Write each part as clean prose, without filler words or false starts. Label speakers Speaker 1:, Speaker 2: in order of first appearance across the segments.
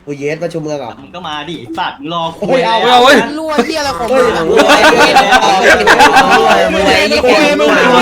Speaker 1: กูเยสประชุมเมืองเหรอ
Speaker 2: มึงก็มาดิสัตว์รอคุ
Speaker 1: เฮ้
Speaker 2: ย
Speaker 1: ยเอา
Speaker 3: เอาเว้ย
Speaker 4: รั่วที่อะไรของ
Speaker 1: เฮ้
Speaker 4: มึ
Speaker 1: ย
Speaker 4: งอะ
Speaker 1: มึงไอ้ควายมึงล่ว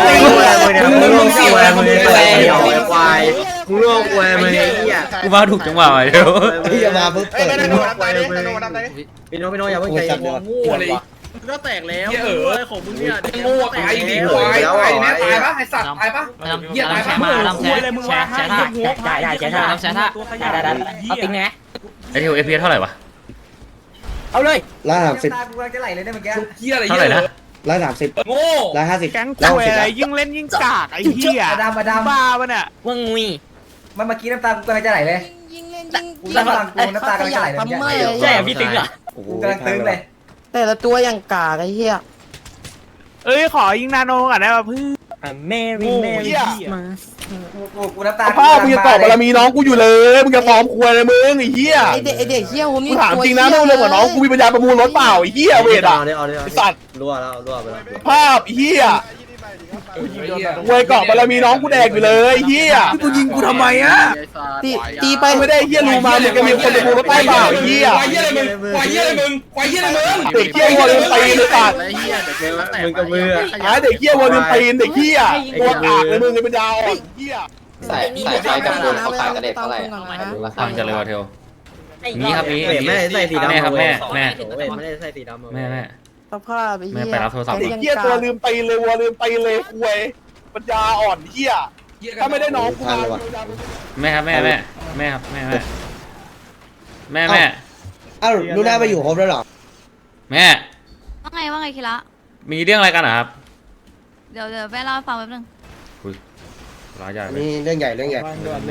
Speaker 1: งควายมึงไอ้เหี้ย
Speaker 3: กูมาถูกจังหวะว่ะเดี๋ยว
Speaker 1: ที่จะมาปุ๊บเปิด
Speaker 5: พี่โน้อย่าเพิ่งใจเย็น
Speaker 6: งูเลย
Speaker 5: ก็แตกแล้ว
Speaker 6: เออ
Speaker 5: ของมึงเนี่ย
Speaker 6: งูตายดิควายตายแน่ตายปะไอสัตว์ตายปะเหี้ยตายปะแชร์แชร์ท่า
Speaker 5: ได้แชร์ท่าแชร์ท่าได้เอาติ๊งไง
Speaker 3: ไอเทลเอพีเท่าไหร่วะ
Speaker 5: เอาเลย
Speaker 1: 130
Speaker 5: ตากูกำลังจะไหลเลยเนี่ยเมื่อกี้
Speaker 6: เหี้ยอะไร
Speaker 3: เท่าไหร่นะ
Speaker 1: 130
Speaker 6: โง่
Speaker 1: 150
Speaker 7: แก๊งคุยอะไรยิ่งเล่นยิ่งกากไอ้เหี้ย
Speaker 5: มาดาม
Speaker 7: บ้าปะเนี่ย
Speaker 5: ว่างุยมันเมื่อกี้น้ำตากูกำลังจะไหลเลย
Speaker 4: ยิงเล่นยิง
Speaker 5: กูน้ำตากูน้ำตากำลังจะไหลเลย
Speaker 4: ปั๊มเมอร์
Speaker 5: ใช่พี่ติ๊งเหรอกูกำลังตึงเลย
Speaker 4: แต่ละตัวอย่างกากไอ้เหี้ย
Speaker 7: เอ้ยขอยิงนาโนก่อนได้ป่ะเพื่อน
Speaker 5: แมรี่มากูน้ำตา
Speaker 8: พ่อมึงจะตอบบารมีน้องกูอยู่เลยมึงจะซ้อมควยเลยมึงไอ้เหี้ย
Speaker 4: ไอเด็กเหี้ยผม
Speaker 8: กู
Speaker 4: นี่
Speaker 8: ถามจริงนะต้องเรื่องกับน้องกูมีปัญญาประมูลรถเปล่าไอ้เหี้ยเวทอ่ะไอ้สัตว์
Speaker 1: รั่วแล้วรั่วไปแล้ว
Speaker 8: ภาพไอ้เหี้ยควยเกาะบารมีน้องกูแดกอยู่เลยไอ้เหี้ยกูยิงกูทำไมอ่ะ
Speaker 4: ตีไป
Speaker 8: ไม่ได้ไอ้เหี้ยรู้มามึงจะมีคนประมูลรถใต้เปล่าไอ้เหี้ย
Speaker 6: ควายเหี้ยอะไรมึงควายเหี้ยอะไรมึงควายเหี้ยอะไรมึง
Speaker 8: เด็กเหี้ยวัวลืมตีนเลยสัตว์
Speaker 5: มึงกับมือ
Speaker 8: หาเด็กเหี้ยวัวลืมตีนเด็กเหี้ยตัวกากเลยมึงไอ้ปัญญาอ่อนเหี้ย
Speaker 4: ใส่ไฟกับปูนเขาขายกันเด็กเท่าไหร่
Speaker 3: ฟังจังเลยว่ะเทลนี่ครับนี่
Speaker 1: ไม่ได้ใส่สีดำ
Speaker 3: แม่ครับแม่แม่
Speaker 1: ไม่ได้ใส่สีดำ
Speaker 3: แม่แม่
Speaker 4: สภาพไอ้เหี้ย
Speaker 3: แม่ไปรับโทรศัพท์
Speaker 8: เด็กเหี้ยตัวลืมตีนเลยวัวลืมตีนเลยควยปัญญาอ่อนเหี้ยถ้าไม่ได้น้องกูมา
Speaker 3: แม่ครับแม่แม่แม่ครับแม่แม่แม่แม่
Speaker 1: อ้าวลูน่าไปอยู่ครบแล้วเหรอ
Speaker 3: แม่
Speaker 9: ว่าไงคิระ
Speaker 3: มีเรื่องอะไรกันเหรอครับ
Speaker 9: เดี๋ยวแม่เล่าให้ฟังแป๊บนึง
Speaker 3: ร้ายใหญ่เลย
Speaker 1: นี่เรื่องใหญ่เรื่องใหญ่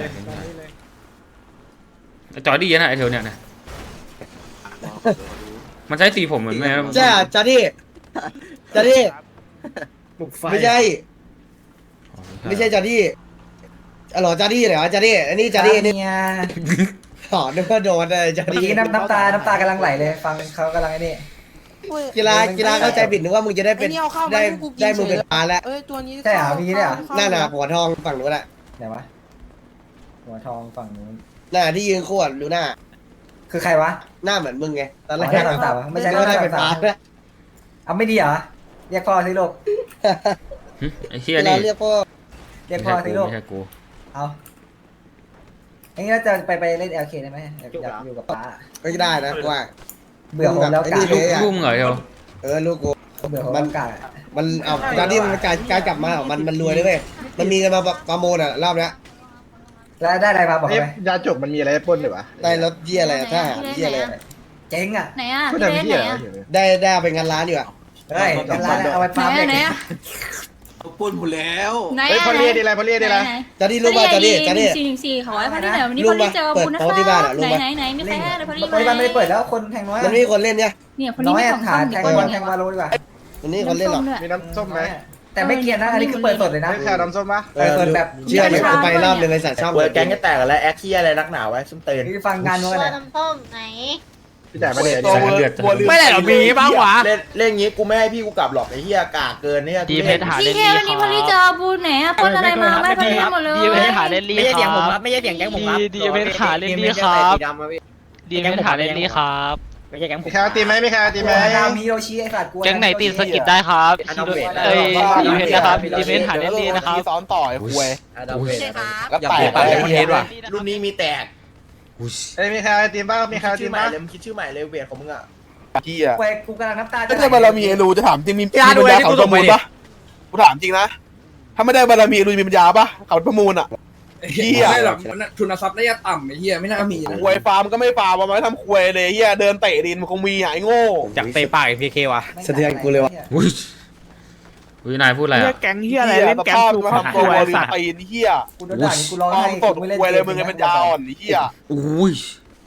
Speaker 3: จอดีนะไอเทลเนี่ยนะมันใช้สีผมเหมือนแม่
Speaker 1: ใช่จ้าดิจ้าดิไม่ใช่ไม่ใช่จ้าดิอ๋อจ้าดิเหรอจ้าดิอันนี้จ้าดินี่
Speaker 5: เนี่ย
Speaker 1: อ๋อนึกว่าโดนเลยจ้า
Speaker 5: เมื่อ
Speaker 1: ดิ
Speaker 5: กี้น้ำตากำลังไหลเลยฟังเขากำลังไอ้นี่
Speaker 1: กีฬาเข้าใจผิดนึกว่ามึงจะได้เป็นได้มึงเป็นปลาแล้ว
Speaker 4: เอ้ยตัวนี้
Speaker 1: หน้าหนาหัวทองฝั่งนู้นแหละ
Speaker 5: ไหนวะหัวทองฝั่งนู้น
Speaker 1: หน้าที่ยืนขวดลูน่า
Speaker 5: คือใครวะ
Speaker 1: หน้าเหมือนมึงไงตอนแรก
Speaker 5: หน้าต่างๆไม่ใช่
Speaker 1: ก็ได้เป็นปลาแล้ว
Speaker 5: เอาไม่ดีเหรอเรียกพ่อสิลูก
Speaker 3: ไอเชี่ย
Speaker 1: กีฬา
Speaker 3: นี่
Speaker 1: เรียกพ่อ
Speaker 5: เรียกพ่อสิลูก
Speaker 3: ไม่ใช่กู
Speaker 5: เอาอย่างนี้เราจะไปเล่น LK ได้ไหมอยากอยู่กับป้า
Speaker 1: ก็ได้นะว่า
Speaker 5: เบื่อผมแล้วกา
Speaker 3: ลูกมึงเหรอเทล
Speaker 1: ลูกกู
Speaker 5: เบื่อผมแล้วกา
Speaker 1: มันเอาตอนที่มันการกลับมาของมันรวยเลยเว้ยมันมีกันมาประมูลอ่ะรอบนี้
Speaker 5: แล้วได้อะไรมาบอกไหม
Speaker 8: ยาจบมันมีอะไรปนหรือวะ
Speaker 1: ได้รถเยี่ยอะไรทหารเยี่ยอะไร
Speaker 5: เจ๊งอ่ะ
Speaker 9: ไหนอ่ะพี่เล่นไหนอ่ะ
Speaker 1: ได้เอาไปงานร้านอยู่อ่ะ
Speaker 5: เฮ้ยร้านเอาไป
Speaker 9: ไหน
Speaker 5: ฟาร์ม
Speaker 9: อ่ะไหน
Speaker 5: เด็ก
Speaker 9: อ่ะ
Speaker 6: ปุ่นหมดแล้ว
Speaker 9: ไหน
Speaker 8: เฮ้ย
Speaker 9: อ่ะ
Speaker 8: พอเรียดีอะไรพอเรียดีอะไร
Speaker 1: จะดีรู้ป่ะจะดีจะดี
Speaker 9: 414ขอให้พอดีหน่อยวันนี้พอดีเจอบุญนะคะไหนไม่แพ้เลยพอดี
Speaker 5: ปัจจุบันไม่ได้เปิดแล้วคนแทงน้อย
Speaker 1: มันมีคนเล่นเนี่ย
Speaker 9: เนี่ยพอดี
Speaker 5: น้อย
Speaker 9: มีของ
Speaker 5: ขา
Speaker 9: ส้ม
Speaker 5: แท
Speaker 9: เดี๋ยว
Speaker 5: ง
Speaker 9: ก่
Speaker 5: บอ
Speaker 9: อ
Speaker 5: ล
Speaker 9: น
Speaker 5: แทงบอลรู้ดีกว่า
Speaker 1: มันมีคนเล่นหรอ
Speaker 8: มีน้ำส้มไหม
Speaker 5: แต่ไม่เกียนนะอันนี้คือเปิดสดเลยนะ
Speaker 8: แค่น้ำส้มปะ
Speaker 5: เปิดแบบ
Speaker 1: เชื่อเลยกูไปรอบนึงไอ้สัตว์ชอบ
Speaker 10: เปิดแก๊งจะแตกแล้วแอคเทียอะไรนักหนาไว้ซุ่มตื่น
Speaker 5: นี่ฟังงานนู้น
Speaker 9: ตัว
Speaker 5: นะ
Speaker 9: น้ำส้มไหน
Speaker 8: พี่จ่ายมาเนี่ย
Speaker 7: ไม่ได้หรอมีบ้างวะ
Speaker 10: เล่นงี้กูไม่ให้พี่กูกลับหรอกไอ้เหี้ยกากเกินเนี่ย
Speaker 7: ดีเพชรหา
Speaker 9: พี่เทวันนี้พอดีเจอบุญไหนอ่ะปนอะไรมาไม่พอดีหมดเลย
Speaker 7: ดีเพชรหาเล่นลี
Speaker 5: ไม่ใช่
Speaker 7: ค
Speaker 5: เสียงผม
Speaker 7: รั
Speaker 5: ครับ บไม่ใช่เสียงแก๊งผมครับ
Speaker 7: ดีเพชรหาเล่นลีครับดีเพชรหาเล่นลีครับ
Speaker 5: ไม่ใช่แก๊งผม
Speaker 8: มีใครตีไหมมีใครตีไหม
Speaker 5: ดาวมีโรชิไอ้สัตว์กลัว
Speaker 7: แก๊งไหนติดสกิดได้ครับเอ้ยดีเพชรนะครับดีเพชรหาเล่นลีนะครับ
Speaker 8: ซ้อนต่อยควย
Speaker 9: ใช่ครับ
Speaker 8: แล้วแตก
Speaker 3: ปากเป็นคนเฮดว่ะ
Speaker 10: รุ่นนี้มีแตก
Speaker 8: เอ้ยมีใครตีบ้างมีใครตี
Speaker 10: ชื่อใหม่
Speaker 8: บ้าง
Speaker 10: เลยมึงคิดชื่อใหม่เลยเวทของมึงอ่ะ
Speaker 8: เหี้ย
Speaker 5: กูกำลังน้ำตา
Speaker 8: ถ้าได้บารมีรูจะถามจริงมีปัญญาเขาประมูลปะกูถามจริงนะถ้าไม่ได้บารมีรูมีปัญญาปะเขาประมูลอ่ะ
Speaker 6: เหี้ยไม่หรอกทุนทรัพย์น่าจะต่ำไอ้เหี้ยไม่น่ามีนะ
Speaker 8: ควยฟาร์มก็ไม่ฟาร์มมาทำควยเลยเหี้ยเดินเตะดินมันคงมีไอ้โง่
Speaker 3: จากเตะปากไอพีเคว่ะ
Speaker 1: สะเทือนกูเลยว่ะ
Speaker 3: อุ้ยอุ้ยนายพูดอะไร
Speaker 7: เฮีย
Speaker 3: อ่ะ
Speaker 7: แก๊งเฮียอะไรเล่นแก๊ง
Speaker 8: ส
Speaker 7: ถูก
Speaker 8: ภาพ
Speaker 7: ข
Speaker 8: ตัว
Speaker 7: ว
Speaker 8: ลิ
Speaker 7: สั
Speaker 8: น
Speaker 7: ตว์
Speaker 8: ตีนเหี้ย
Speaker 5: กูโดนด่ากูร้อง
Speaker 8: ฟาร์
Speaker 5: ไห้
Speaker 8: มตดควยเลยมึงไอ้ปัญญาอ่อนเหี้ย
Speaker 3: อุ้ย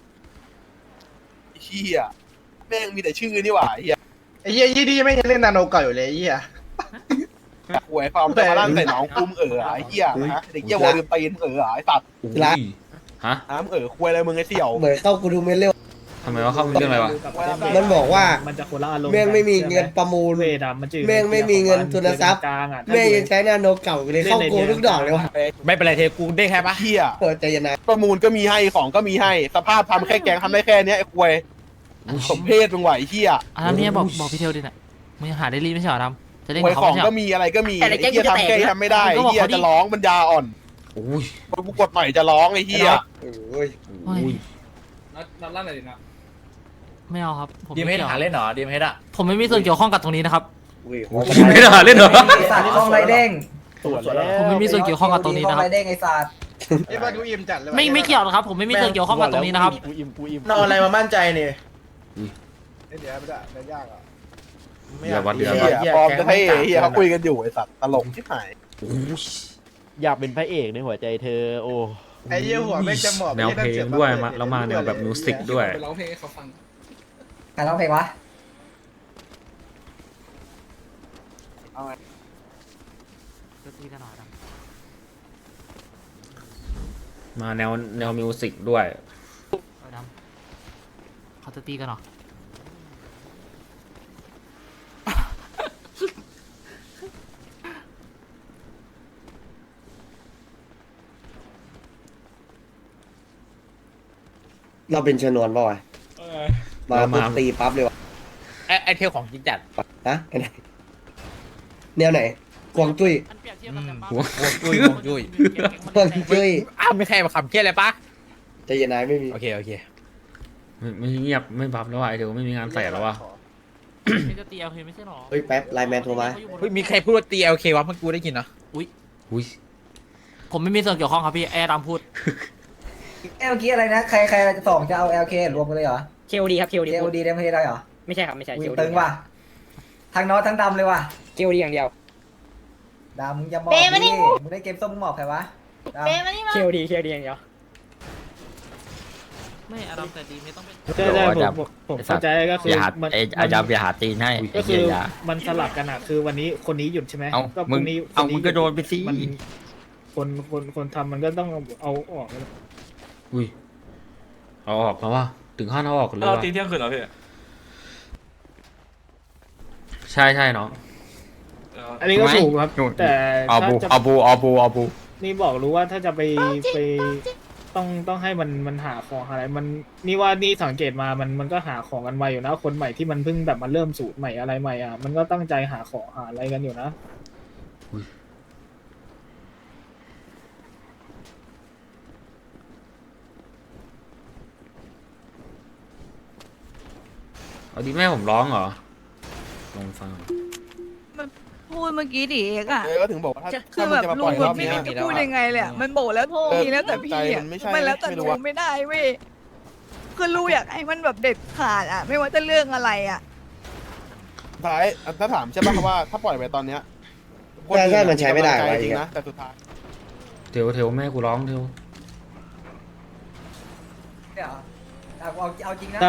Speaker 8: เหี้ยแม่งมีแต่ชื่อนี่หว่าเหี้ยไอ้เหี้ยยี่ดีไม่ยังเล่นนาโนเก่าอยู่เลยเหี้ยหวยฟาร์มแต่มาลั่นใส่น้องกุ้มไอ้เหี้ยเด็กเหี้ยวอลืมตีนไอ้สัตว์
Speaker 3: อุ้ยฮะ
Speaker 8: น้ำควยอะไรมึงไอ้เสี่ยว
Speaker 1: เหมือนเข้ากูดูเมนเร็ว
Speaker 3: ฮทำไมว่าเข้าเรื่องอะไรวะ
Speaker 1: มันบอกว่า
Speaker 6: มันจะคนละอารมณ์
Speaker 1: แม่งไม่มีเงินประมูล
Speaker 6: เวดมันจะ
Speaker 1: แม่งไม่มีเงินทุนทรัพย์
Speaker 6: กลางอ่ะ
Speaker 1: แม่งยังใช้นาโนเก่าอยู่เลยเข้าโกงทุกดอกเลยวะ
Speaker 6: ไม่เป็นไรเทกูได้แค่ปะ
Speaker 8: เฮีย
Speaker 1: ใจเย็นนะ
Speaker 8: ประมูลก็มีให้ของก็มีให้สภาพทำแค่แกงทำได้แค่เนี้ยไอ้ควยสมเพศมึงไหวเฮีย
Speaker 7: อันนั้นเนี่ยบอกพี่เทลดิน่ะมึงยังหาได้รีไม่ใช่เหรอดำจะเล่น
Speaker 8: ควย
Speaker 7: กับ
Speaker 8: ขอ
Speaker 7: เขา
Speaker 8: ง
Speaker 7: ไม่ใช่เหร
Speaker 8: ก็
Speaker 7: อ
Speaker 8: มีอะไรก็มีไอ้เฮียทำแค่ทำไม่ได้ไอ้เฮียจะร้องมันยาอ่อน
Speaker 3: โอ้ย
Speaker 8: กูกดหน่อยจะร้องไอ้เฮีย
Speaker 1: โอ้ย
Speaker 7: เฮ้ย
Speaker 6: นัดลั่นอะไรดินะ
Speaker 7: ไม่เอาครับผม
Speaker 6: ดีมเฮดหาเล่นเหรอดีมเฮดอะ
Speaker 7: ผมไม่มีส่วนเกี่ยวข้องกับตรงนี้นะครับ
Speaker 3: ไม่ได้เล่นเหรอ
Speaker 5: ไอ้สัตว์กล้องไรเด้ง
Speaker 7: ผมไม่มีส่วนเกี่ยวข้องกับตรงนี้นะครับ
Speaker 5: กล้องไรเด้งไอ้สัตว์
Speaker 8: ไอ้บ้านกูอิ่มจัดเลย
Speaker 7: ไม่เกี่ยวนะครับ ผมไม่มีส่วนเกี่ยวข้องกับตรงนี้นะครับ
Speaker 10: นอนอะไรมามั่นใจเนี่ย
Speaker 8: เดี๋ยวไม่ได้ยากอ่ะ
Speaker 3: เดี๋ยววัดเดือน
Speaker 8: เฮียปลอมจะให้เฮียเขาคุยกันอยู่ไอ้สัตว์ตลกที่หาย
Speaker 4: อยากเป็นพระเอกในหัวใจเธอโอ้
Speaker 10: ไอ้เหี้ยหัวแม่งจะหมอบ
Speaker 3: แนวเพลงด้วยมาแล้วมาแนวแบบมิวสิกด้วย
Speaker 6: ไปร้องเพลงให้เขาฟัง
Speaker 5: ใครร้องเพลงวะ
Speaker 3: มาแนวมิวสิกด้วย
Speaker 7: เขาจะตีกันเหรอ
Speaker 1: เราเป็นชนวนป่าวะมาปุ๊บตีปั๊บเลยวะ
Speaker 6: ไอเทลของจริงจัด
Speaker 1: ฮะแนวไหนกวางจุ้ย
Speaker 7: อันเปรียบเทียบกันแบบ
Speaker 3: หัว
Speaker 6: จุ้ยจุ้ย
Speaker 1: กวางจุ้ย
Speaker 6: อ้าวไม่ใช่มาคำเครียดเลยปะ
Speaker 1: ใจเย็นนายไม่มี
Speaker 6: โอเค
Speaker 3: ไม่เงียบไม่บัฟแล้วว่ะไอ้เดี๋ยวไม่มีงานใส่แล้วว่ะ
Speaker 7: จะตีเอาเพลงไม่ใช่หรอ
Speaker 1: เฮ้ยแป๊บไลน์แมนโทรมา
Speaker 6: เฮ้ยมีใครพูดว่าตีเอลเควะเมื่อกูได้ยินนะ
Speaker 3: อุ้ย
Speaker 7: ผมไม่มีส่วนเกี่ยวข้องครับพี่แอร์ดำพูด
Speaker 5: เมื่อกี้อะไรนะใครจะส่งจะเอา LK รวมกันเลยเหรอ
Speaker 11: KOD ครับ KOD
Speaker 5: KOD ได้ไม่ได้เหรอ
Speaker 11: ไม่ใช่ครับ ไม่ใช่
Speaker 5: วิ่ง
Speaker 11: KOD
Speaker 5: ตึงว่ะทั้งน้อยทั้งดำเลยว่ะ
Speaker 11: KOD อย่างเดียว
Speaker 5: ดำมึงจะหมอบดิมึงได้เกมส้มมึงหมอบใครวะดำ
Speaker 11: KOD อย่างเดียว
Speaker 7: ไม่อารมณ์แต่ดีไม่ต้องเป็น
Speaker 6: ใช่ผมเข้าใจก็คือมันอาจารย์อย่าหาตีนให้ก็คือมันสลับกันอ่ะคือวันนี้คนนี้หยุดใช่ไหมก็พรุ่งนี้มึงก็โดนไปสิคนทำมันก็ต้องเอาออก
Speaker 3: อุ้ยเอาออกแล้วว่ะถึงขั้นเอาออกเลยว่ะ
Speaker 6: ตีเที่ยงคืนเหรอพี่
Speaker 3: ใช่น้อง
Speaker 6: อันนี้ก็ถูกครับแต่เอาบูนี่บอกรู้ว่าถ้าจะไปต้องให้มันหาของอะไรมันนี่ว่านี่สังเกตมามันก็หาของกันไวอยู่นะคนใหม่ที่มันเพิ่งแบบมาเริ่มสูตรใหม่อะไรใหม่อ่ะมันก็ตั้งใจหาของหาอะไรกันอยู่นะ
Speaker 3: เอาดีแม่ผมร้องเหรอลองฟัง
Speaker 9: พูดเมื่อกี้ดิเอกอะ
Speaker 8: ก็ถึงบอกว่าถ้า
Speaker 9: คือแบบ
Speaker 8: จะมา
Speaker 9: ลุ
Speaker 8: ปล่
Speaker 9: ง
Speaker 8: อย
Speaker 9: แบ
Speaker 8: ร
Speaker 9: บ
Speaker 8: อบ
Speaker 9: ไม่
Speaker 8: เนี้ย
Speaker 9: รู้จะพูดยังไงเลยอะมันบอกแล้วทีแล้วแต่พี่อะมันแล้วแต่ลุงไม่ได้เว้ยคือลุงอยากให้มันแบบเด็ดขาดอะไม่ว่าจะเรื่องอะไรอะ
Speaker 8: ท้ายถ้าถามใช่ป่ะว่าถ้าปล่อยไปตอนเนี้ย
Speaker 1: ใช่มันใช้ไม่ได้วะ
Speaker 8: จริงนะแต่สุดท้าย
Speaker 3: เทวแม่กูร้องเทว
Speaker 5: เดี๋ยวเอาจริงนะ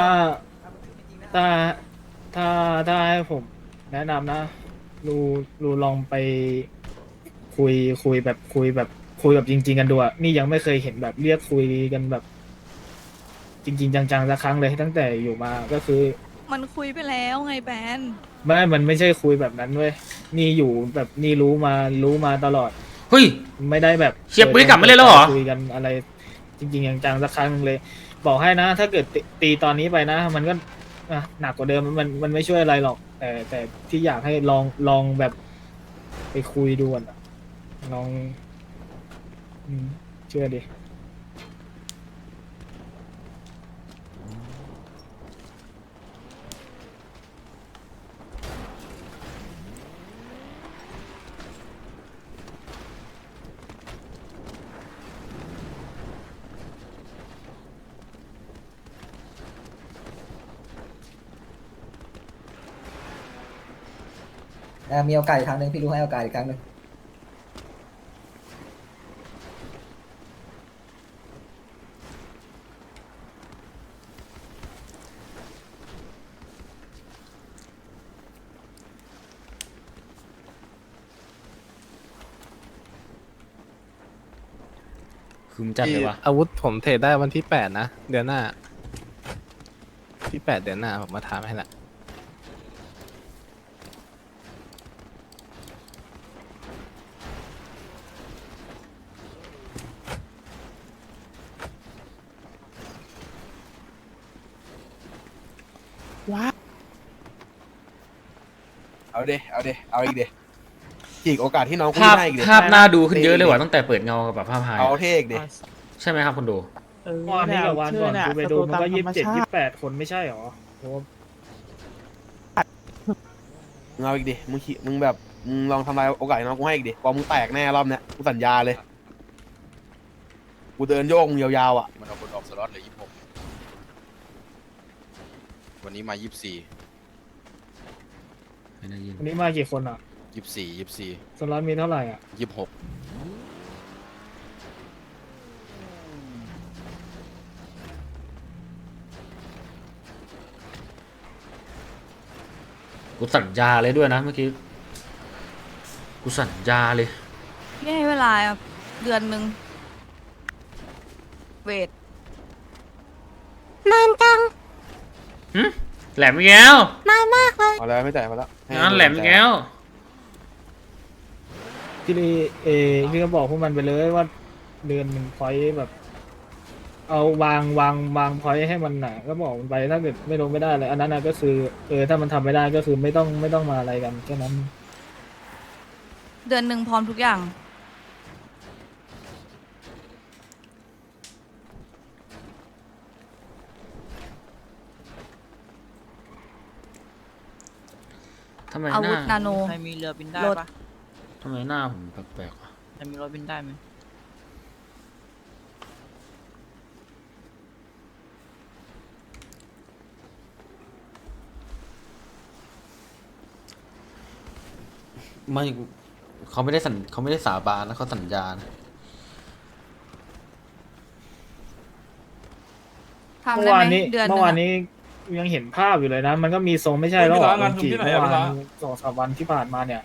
Speaker 6: ถ้าให้ผมแนะนำนะรูลองไปคุยแบบจริงๆกันดูอ่ะนี่ยังไม่เคยเห็นแบบเรียกคุยกันแบบ จริงๆจังๆสักครั้งเลยตั้งแต่อยู่มาก็คือ
Speaker 9: มันคุยไปแล้วไงแบน
Speaker 6: มันไม่ใช่คุยแบบนั้นเว้ยนี่อยู่แบบนี่รู้มาตลอด
Speaker 3: เฮ้ย
Speaker 6: ไม่ได้แบบ
Speaker 3: เชียร์ปืนกลับมาเลยแล้วเหรอ
Speaker 6: คุยกันอะไร จริงๆจังๆสักครั้งเลย บอกให้นะ ถ้าเกิดตีตอนนี้ไปนะ มันก็หนักกว่าเดิมมันไม่ช่วยอะไรหรอก แต่ที่อยากให้ลองแบบไปคุยดูอ่ะลองเชื่อดิ
Speaker 5: มีโอกาสอีกครั้งหนึ่งพี่รู้ให้โอกาสอีกครั้งหนึ่ง
Speaker 3: คือมจัดเลยวะ
Speaker 4: อาวุธผมเทรดได้วันที่8นะเดือนหน้า
Speaker 10: ที่8 เดือนหน้าผมมาถามให้ละ
Speaker 8: เอาเดเอาอีกเดจีกโอกาสที่น้องกู
Speaker 3: ภาพ
Speaker 8: ให้อีกเด
Speaker 3: ภาพน่าดูขึ้นเยอะเลยว่ะตั้งแต่เปิดเงากับแบบภาพหาย
Speaker 8: เอาเท่อีกเด
Speaker 3: ใช่ไหมครับคุณดู
Speaker 6: วันนี้กับวันก่อนกูไปดูมันก็27-28 คนไม่ใช่หรอโอ้
Speaker 8: มึงเอาอีกดิมึงแบบมึงลองทำลายโอกาสให้น้องกูให้อีกดิพอมึงแตกแน่รอบเนี้ยกูสัญญาเลยกูเดินโยกมึงยาวๆอ่ะ
Speaker 10: มันเอาคนออกสล็อตเลย26วันนี้มา24
Speaker 3: ไม่ได้ยิน
Speaker 6: วันนี้มากี่คนอ่ะ
Speaker 10: 24
Speaker 6: สล็อตมีเท่าไหร่อ่ะ
Speaker 10: 26
Speaker 3: กูสัญญาเลยด้วยนะเมื่อกี้กูสัญญาเลย
Speaker 9: พี่ให้เวลาเดือนหนึ่งเวท
Speaker 3: หึแหลมอีกแล้ว
Speaker 8: เอาแล้วไม่จ่ายมาแล้ว
Speaker 3: งานแหลมอีกแล้ว
Speaker 6: ที่พี่ก็บอกพวกมันไปเลยว่าเดือนหนึ่งพอยแบบ เอาวางพอยให้มันหนาก็บอกมันไปถ้าเกิดไม่ลงไม่ได้เลยอันนั้นนะก็คือถ้ามันทำไม่ได้ก็คือไม่ต้องมาอะไรกันแค่นั้น
Speaker 9: เดือนหนึ่งพร้อมทุกอย่าง
Speaker 3: ทำไม
Speaker 9: อา
Speaker 3: ห
Speaker 9: วุธ
Speaker 3: น้า
Speaker 9: นาโน
Speaker 7: ใครมีเรือบินได้
Speaker 9: รถ
Speaker 7: ปะ
Speaker 3: ทำไมหน้าผมแปลกๆวะ
Speaker 7: ใครมีรถบินได้ไหม
Speaker 3: ไม่เขาไม่ได้สาบานนะเขาสัญญานะ
Speaker 9: ทำ
Speaker 6: เมื่
Speaker 9: ได้
Speaker 6: อ
Speaker 9: ไห
Speaker 6: วาม นนี้
Speaker 9: เดือนห
Speaker 6: เมื่
Speaker 9: นึ่
Speaker 6: อง วาน
Speaker 9: อะ
Speaker 6: นี้ยังเห็นภาพอยู่เลยนะ มันก็มีทรงไม่ใช่แล้วหรอจีเมื่อวาน2-3 วันที่ผ่านมาเนี่ย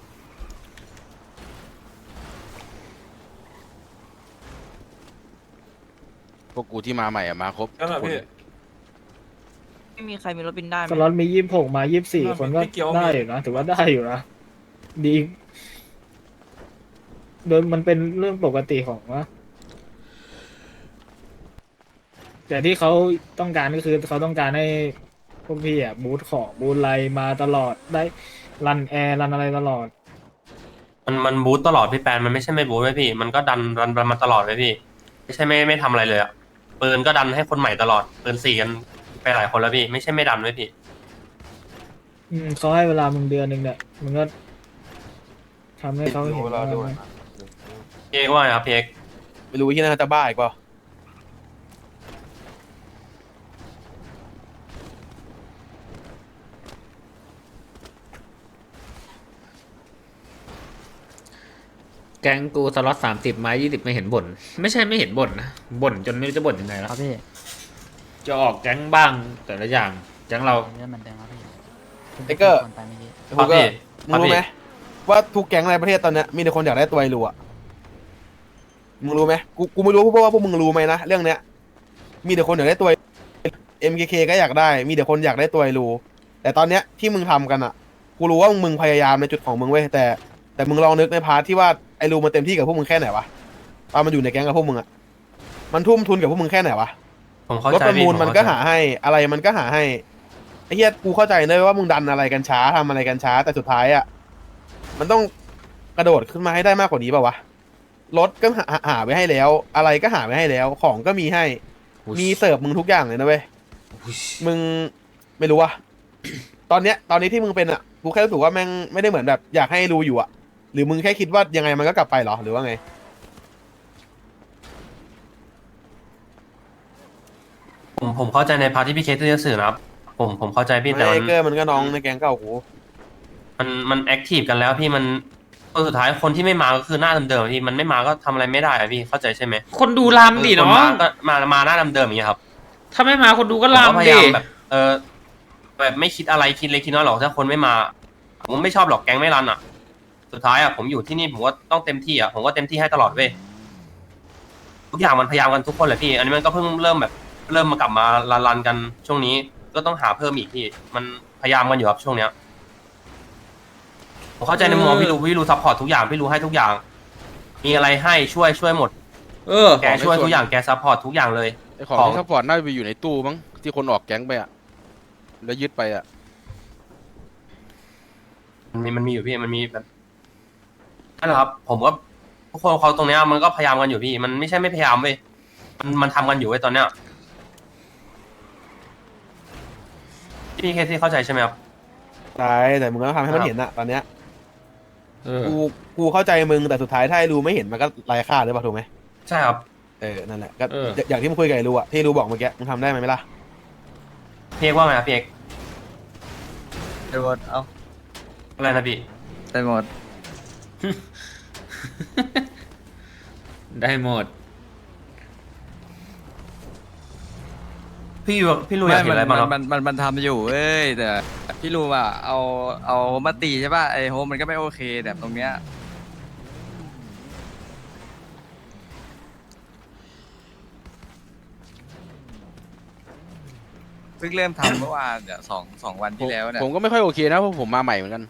Speaker 10: พวกกูที่มาใหม่อะมาครบทุกคน
Speaker 7: ไม่มีใครมีรถบินได้ไหม
Speaker 6: สล็อตมี26 มา24 คนก็ได้อยู่นะถือว่าได้อยู่นะดีโดยมันเป็นเรื่องปกติของนะแต่ที่เขาต้องการก็คือเขาต้องการให้พวกพี่บูทของบูทไลมาตลอดได้รันแอร์รันอะไรตลอด
Speaker 12: มันบูตตลอดพี่แปนมันไม่ใช่ไม่บูตไว้พี่มันก็ดันมาตลอดไว้พี่ไม่ใช่ไม่ทำอะไรเลยอะปืนก็ดันให้คนใหม่ตลอดปืน4กันไปหลายคนแล้วพี่ไม่ใช่ไม่ดันไว้พี่
Speaker 6: เขาให้เวลามึงเดือนหนึ่งเนี่ยมึงก็ทำให้เขาเห็นว่า
Speaker 12: พี่เอกว่าไงครับพี่เอก
Speaker 8: ไม่รู้ที่น่าจะบ้าอีกเปล่า
Speaker 3: แก๊งกูสล็อต30 ไม้ 20ไม่เห็นบ่นไม่ใช่ไม่เห็นบ่นนะบ่นจนไม่รู้จะบ่นยังไงแล้ว
Speaker 11: ครับพี่
Speaker 3: จะออกแก๊งบ้างแต่ละอย่างแก๊งเรา
Speaker 11: เรื่องมันเดิมครับพี่
Speaker 8: ไอ้เกอร์
Speaker 11: คนไปเมื่อกี้
Speaker 8: มึงก็มึงรู้ไหมว่าทุกแก๊งในประเทศตอนเนี้ยมีแต่คนอยากได้ตัวไอ้รัวมึงรู้ไหมกูไม่รู้เพราะว่าพวกมึงรู้ไหมนะเรื่องเนี้ยมีแต่คนอยากได้ตัว MKK ก็อยากได้มีแต่คนอยากได้ตัวไอ้รูแต่ตอนเนี้ยที่มึงทำกันอ่ะกูรู้ว่ามึงพยายามในจุดของมึงเว้ยแต่มึงลองนึกในพาร์ทที่ว่าไอ้รูมันเต็มที่กับพวกมึงแค่ไหนวะตอนมันอยู่ในแก๊งกับพวกมึงอ่ะมันทุ่มทุนกับพวกมึงแค่ไหนวะ
Speaker 12: ผมเข้าร
Speaker 8: ถ
Speaker 12: ใจ
Speaker 8: ประ
Speaker 12: พี่
Speaker 8: มูล
Speaker 12: ผ
Speaker 8: มัน
Speaker 12: เข้า
Speaker 8: ก็
Speaker 12: ใจ
Speaker 8: หาให้อะไรมันก็หาให้ไอ้เหี้ยกูเข้าใจเลยว่ามึงดันอะไรกันช้าทำอะไรกันช้าแต่สุดท้ายอ่ะมันต้องกระโดดขึ้นมาให้ได้มากกว่านี้ป่าวะรถก็หาไว้ให้แล้ว อะไรก็หาไว้ให้แล้ว ของก็มีให้ มีเสิร์ฟมึงทุกอย่างเลยนะเว้ยมึงไม่รู้ว่ะ ตอนนี้ที่มึงเป็นอ่ะกูแค่รู้สึกว่าแม่งไม่ได้เหมือนแบบอยากให้รู้อยู่อ่ะหรือมึงแค่คิดว่ายังไงมันก็กลับไปเหรอหรือว่าไง
Speaker 12: ผมเข้าใจในพาร์ทที่พี่เคสจะสื่อนะครับผมเข้าใจพี่แต่
Speaker 8: ไอ้เกอร์มันก็น้องในแก๊งเก่ากู
Speaker 12: มันแอคทีฟกันแล้วพี่มันคนสุดท้ายคนที่ไม่มาก็คือหน้าเดิมๆพี่มันไม่มาก็ทำอะไรไม่ได้อะพี่เข้าใจใช่ไหม
Speaker 3: คนดูลำดิ
Speaker 12: คน
Speaker 3: เนาะ
Speaker 12: มาก็มาหน้าเดิมๆอย่างเงี้ยครับ
Speaker 3: ถ้าไม่มาคนดูก็
Speaker 12: ผมก็พ
Speaker 3: ลำ
Speaker 12: ยา
Speaker 3: ดิ
Speaker 12: ยามแบบไม่คิดอะไรคิดเล็กคิดน้อยหรอกถ้าคนไม่มาผมไม่ชอบหรอกแก๊งไม่รันอ่ะ สุดท้ายอ่ะผมอยู่ที่นี่ผมก็ต้องเต็มที่อ่ะผมก็เต็มที่ให้ตลอดเว้ยทุกอย่างมันพยายามกันทุกคนแหละพี่ อันนี้มันก็เพิ่งเริ่มมากลับมารันกันช่วงนี้ก็ต้องหาเพิ่มอีกพี่มันพยายามกันอยู่ครับช่วงเนี้ยผมเข้าใจในมุมมองพี่รู้ซัพพอร์ตทุกอย่างพี่รู้ให้ทุกอย่าง มีอะไรให้ช่วยหมดแกช่วยทุกอย่างแกซัพพอร์ตทุกอย่างเลย
Speaker 10: ไอของที่ซัพพอร์ตน่าจะไปอยู่ในตู้มั้งที่คนออกแก๊งไปอ่ะแล้วยึดไปอ่ะ
Speaker 12: มันมีอยู่พี่มันมีแบบนั่นแหละครับ ผมก็ทุกคนเขาตรงเนี้ยมันก็พยายามกันอยู่พี่มันไม่ใช่ไม่พยายามเว้ยมันทำกันอยู่เว้ยตอนเนี้ยพี่เคที่เข้าใจใช่ไหมครับ
Speaker 8: ใช่แต่มึงก็ทำให้มันเห็นอะตอนเนี้ยกูเข้าใจมึงแต่สุดท้ายถ้าไอ้รู้ไม่เห็นมันก็ไร้ค่าหรือเปล่าถูกไหม
Speaker 12: ใช่ครับ
Speaker 8: นั่นแหละก็อย่างที่มึงคุยกับไอ้รู้อะที่รู้บอกเมื่อกี้มึงทำได้ไหมล่ะ
Speaker 12: พี่เอกว่าไงครับพี่เอก
Speaker 5: ไปหมดเอา
Speaker 12: อะไรนะพี่
Speaker 5: ไปหมด
Speaker 3: ได้หมด
Speaker 12: พี่รู้อยากเห็นอะไรบ้างครับ
Speaker 5: มันทำอยู่เอ้ยแต่พี่รู้ว่าเอามาตีใช่ป่ะไอโฮมมันก็ไม่โอเคแต่ตรงเนี้ยเพิ่งเริ่มทำเมื่อวานเนี่ยสองวันที่แล้วเนี่ย
Speaker 10: ผมก็ไม่ค่อยโอเคนะเพราะผมมาใหม่เหมือนกัน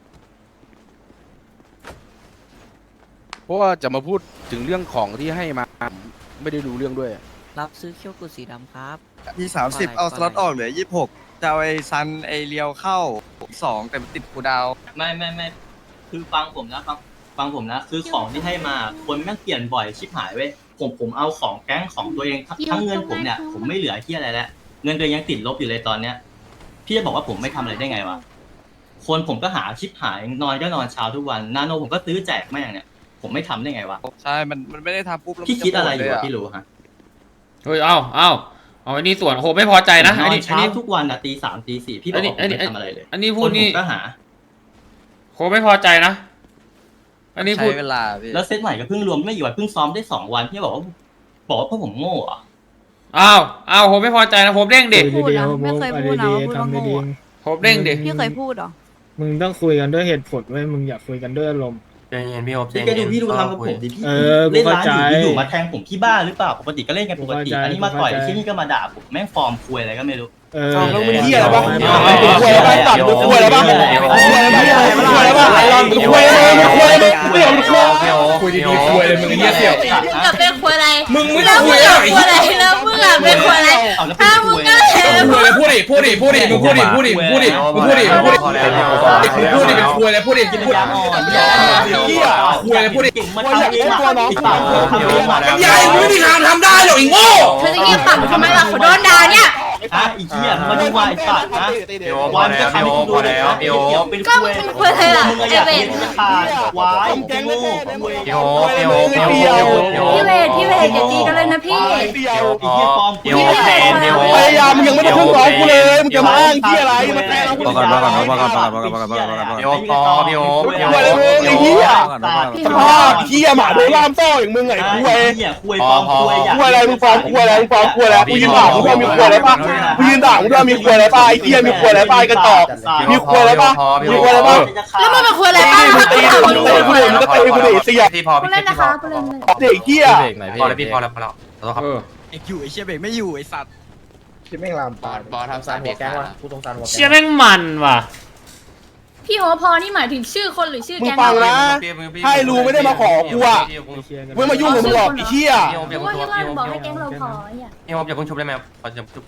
Speaker 10: เพราะว่าจะมาพูดถึงเรื่องของที่ให้มาไม่ได้รู้เรื่องด้วย
Speaker 7: รับซื้อเขี้ยวกุสีดำครับ
Speaker 5: มี30เอาสล็อตออกเหลือ26จะเอาไอ้ซันไอ้เลียวเข้า2แต่มันติดกูดาว
Speaker 2: ไม่คือฟังผมนะฟังผมนะคือของที่ให้มาคนแม่งเปลี่ยนบ่อยชิบหายเว้ยผมเอาของแก๊งของตัวเองทั้งเงินผมเนี่ยผมไม่เหลือที่อะไรแล้วเงินตัวเองยังติดลบอยู่เลยตอนเนี้ยพี่จะบอกว่าผมไม่ทำอะไรได้ไงวะคนผมก็หาชิบหายนอนก็นอนเช้าทุกวันนาโนผมก็ซื้อแจกแม่งเนี่ยผมไม่ทำได้ไงวะ
Speaker 5: ใช่มันไม่ได้ทำปุ๊บแล้ว
Speaker 2: พี่คิดอะไรอยู่พี่รู้ฮะ
Speaker 3: เฮ้ยเอาอันนี้ส่วนโหไม่พอใจนะ
Speaker 2: น
Speaker 3: อั
Speaker 2: อน น
Speaker 3: นี้
Speaker 2: เช้าทุกวันอะตี3ตี4พี่บอกว่าผมไม่ทำอะไรเลย
Speaker 3: อันนี้พูดนี่
Speaker 2: คนผมก็หา
Speaker 3: โหไม่พอใจนะ อันนี้พูด
Speaker 5: ใช้เวลาพี่
Speaker 2: แล้วเซตใหม่ก็เพิ่งรวมไม่อยู่วันเพิ่งซ้อมได้2 วันพี่บอกว่าพวกผมโง่เหรอ
Speaker 3: โหไม่พอใจนะโหเด้งดิ
Speaker 9: พูดนะไม่เคยพูดนะว่าพูดว่าโง่อะ
Speaker 3: โหเด้งดิ
Speaker 9: พี่เคยพูดเหรอ
Speaker 6: มึงต้องคุยกันด้วยเหตุผลไว้มึงอยากคุยกันด้วยอารมณ์
Speaker 12: ใจเย็นพี่โอ๊บใจ
Speaker 2: พี่
Speaker 12: เย็น
Speaker 2: พี่ดูทำกับผมดิพี่
Speaker 6: กู
Speaker 2: เล่น
Speaker 6: เข้า
Speaker 2: ร้าน
Speaker 6: ใจ
Speaker 2: อยู่มาแทงผมที่บ้านหรือเปล่าปกติก็เล่นกันปกติ
Speaker 6: กูเข้าใจ
Speaker 2: อันนี้มาต่อย
Speaker 6: กูเข้าใจ
Speaker 2: ที่นี่ก็มาด่าผมแม่งฟอร์มคุยอะไรก็ไม่รู้
Speaker 8: แล้วมึงเหี้ยอะไรบ้าง
Speaker 6: ไม่
Speaker 8: มึงคุยอะไรบ้างตัดมึงคุยอะไรบ้างมึงคุยอะไรบ้างมึงคุยอะไรบ้างมึงคุยอะไรมึงคุยอะไรมึงไม่เอามึงคุยดีๆคุยเลยมึงเหี้ยเสี่ยว
Speaker 9: มึงกับเป็นคนอะไร
Speaker 8: มึงไม่ต้องคุยอะไร
Speaker 9: คนอะไรแล้วมึงอะเป็นคนอะไร
Speaker 2: เอาแล้ว
Speaker 9: ถ้า
Speaker 2: เป็น
Speaker 9: มึ
Speaker 2: คุ
Speaker 9: ง
Speaker 2: ย
Speaker 9: ก็เห็น
Speaker 8: พูดดิมึงพูดดิเป็นคุยอะไรพูดดิเหี้ยคุยอะไรพูดดิ
Speaker 2: ปัญญาอ่อน
Speaker 8: เหี้ยคุยอะไรพูดดิ
Speaker 2: เก่งมาทำเองตัวน้องทำเองมา
Speaker 8: ยายมึงไม่มีทางทำได้หรอกไอ้โง่
Speaker 9: เธอจะเงียบปากทำไมล่ะเขาโดนด่าเนี่ย
Speaker 2: อีเหี้ยมาดูวายสัตว์นะ
Speaker 12: พี่โอ๊บพอแล้วพี่โอ๊บพอแล้วพี่โอ๊บ
Speaker 2: เป็น
Speaker 9: ก็มึงเป็นคนอะไรล่ะ
Speaker 2: มึงอยากเห็นจะขาดวายโง่
Speaker 12: พี่โอ๊บพี่โอ๊บพี่โอ๊บพี่โอ๊บ
Speaker 9: พี่เวทอย่าตีกันเลยนะพี่
Speaker 8: เดียว
Speaker 2: ไอ้เหี้ยฟอร์ม
Speaker 12: พี่โอ๊บเจนพี่โอ๊บ
Speaker 8: พยายามมึงยังไม่ได้ขึ้นร้องกูเลยมึงจะมาอ้างเหี้ยอะไรมาแกล้งเรา
Speaker 12: พี่โอ๊บพอพี่โอ๊บพี่โอ๊บ
Speaker 8: คุยอะไรมึงไอ้เหี้ยสภาพเหี้ยหมาโดนล่ามโซ่อย่างมึงไงคุย
Speaker 2: เหี้ยคุยฟอร์มคุย
Speaker 8: คุยอะไรมึงฟ้องคุยอะไรมึงฟ้องคุยอะไรกูยืนด่ามึงด้วยมีคุยอะไรป่ะกูยืนด่ามึงด้วยมีคุยอะไรป่ะไอ้เหี้ยมีคุยอะไรป่ะไอ้กระจอกมีคุยอะไรป่ะมีคุยอะไรป่ะ
Speaker 9: แล้วมึงเป็นคนอะไรบ้าง
Speaker 8: มึงตีกูมึงตีกูมึงก็ตีกูดิเสีย
Speaker 12: พี่พอ
Speaker 9: ผู้
Speaker 12: พี่
Speaker 9: เล่น
Speaker 12: พี่
Speaker 9: นะ
Speaker 12: พอ
Speaker 9: คะผู้เล่นเลย
Speaker 8: เด็กเหี้ย
Speaker 12: พอแล้วพี่พอแล้วพอแล้วขอโทษครับ
Speaker 5: เอกอยู่ไอ้เชี่ยเบรกไม่อยู่ไอ้สัตว์
Speaker 10: บอทำสารเบรกขาด
Speaker 3: เชี่ยแม่งมันว่ะ
Speaker 9: พี่โอพอนี่หมายถึงชื่อคนหรือชื่อ
Speaker 8: มึง
Speaker 9: แก๊ง
Speaker 8: ฟัง
Speaker 9: เรา
Speaker 8: นะให้รู้ไม่ได้มาขอกูอ่ะไม่มายุ่งกับมึงหรอกไอ้เหี้ย
Speaker 12: พี่โอ๊บอย่า
Speaker 9: ว่า
Speaker 12: เพิ่ง
Speaker 9: ที่
Speaker 12: ชุบ
Speaker 9: ว่า
Speaker 12: พี่โอ๊บ
Speaker 9: บอกให้แก๊งเราพอเนี่ย
Speaker 12: พี่โอ๊บอย่าเพิ่งชุบได้ไหมครับขอจะชุบ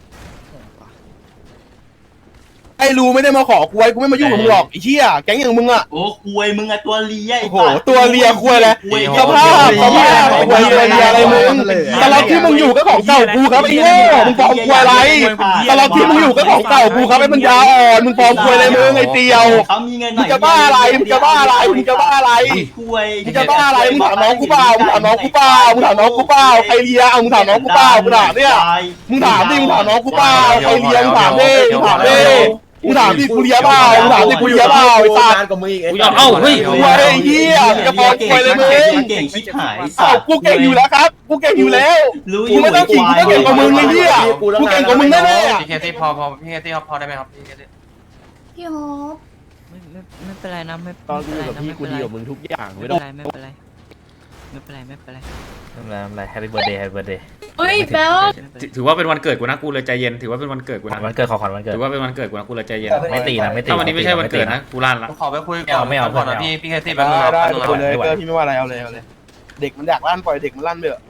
Speaker 8: ให้รู้ไม่ได้มาขอกูไว้กูไม่มายุ่งกับมึงหรอกไอ้เหี้ยแก๊งอย่างมึงอ่ะ
Speaker 2: โอ้คุยมึงอะตัวเลีย
Speaker 8: โอ้โหตัวเลียคุยอะไรสภาพคุยอะไรมึงแต่เราที่มึงอยู่ก็ของเก่ากูครับไอ้โง่มึงฟ้องคุยอะไรแต่เราที่มึงอยู่ก็ของเก่ากูครับไอ้ปัญญาอ่อนมึงฟ้องคุยอะไรมึงไอ้เตียว
Speaker 2: เขามีเงินห
Speaker 8: มึ
Speaker 2: น่
Speaker 8: ง
Speaker 2: อย
Speaker 8: จะบ้าอะไรมึงจะบ้าอะไรมึงจะบ้าอะไร
Speaker 2: คุย
Speaker 8: มึงจะบ้าอะไรมึงถามน้องกูเปล่ามึงถามน้องกูเปล่ามึงถามน้องกูเปล่าใครเลียเอามึงถามน้องกูเปล่ามึงถามเนี่ยมึงถามดิมึงถามน้องกูเปล่าใครเลียมึงถามดิมึงถามดิมึงถามดิกูเลียเปล่ามึงถามดิกูเลียเปล่าไอ้สัตว์
Speaker 3: กูยอมเฮ้ย
Speaker 8: คุยไอ้เหี้ยมึงจะฟ้องคุยเลยมึง
Speaker 2: เก่งชิบหาย
Speaker 8: อ้าวกูเก่งอยู่แล้วครับกูเก่งอยู่แล้วกูไม่ต้องขิงกูก็เก่งกว่ามึงไอ้เหี้ยกูเก่งกว่ามึงแน่ๆอะ
Speaker 12: พี่เคที่พอพี่เคที่พอได้ไหมครับพี่เคที่
Speaker 9: พี่โอ
Speaker 7: ไม่เป็นไรนะไม่
Speaker 4: ตอนกูอยู่กับพี่กูดีกว่ามึงทุกอย่าง
Speaker 7: ไม่
Speaker 4: ไม่
Speaker 7: เป็
Speaker 4: ต้อง
Speaker 7: นไรไม่เป็นไรไม่เป็นไรไม่เป็นไร
Speaker 3: อะไรแฮปปี้เบิร์ดเดย์แฮปปี้เบิร์ดเดย์
Speaker 9: เฮ้ยแป๊ว
Speaker 3: ถือว่าเป็นวันเกิดกูนะกูเลยใจเย็นถือว่าเป็นวันเกิดกูนะ
Speaker 4: วันเกิดขอขวัญวันเกิด
Speaker 3: ถือว่าเป็นวันเกิดกูนะกูเลยใจเย็น
Speaker 4: ไม่ตีนะไม่ตี
Speaker 3: ถ้าวันนี้ไม่ใช่วันเกิดนะกูลั่นละ
Speaker 12: ขอไปคุยก่อน
Speaker 4: ไม่เอา
Speaker 12: ก่อนนะพี่แคซี่แป๊บนึง
Speaker 8: ได้
Speaker 12: แป๊บ
Speaker 8: ได้
Speaker 12: นึง
Speaker 8: คุยเลยเกอร์พี่ไม่ว่าอะไรเอาเลยเอาเลย เด็กมันอยากลั่นปล่อยเด็กมันลั่นไปเถอะ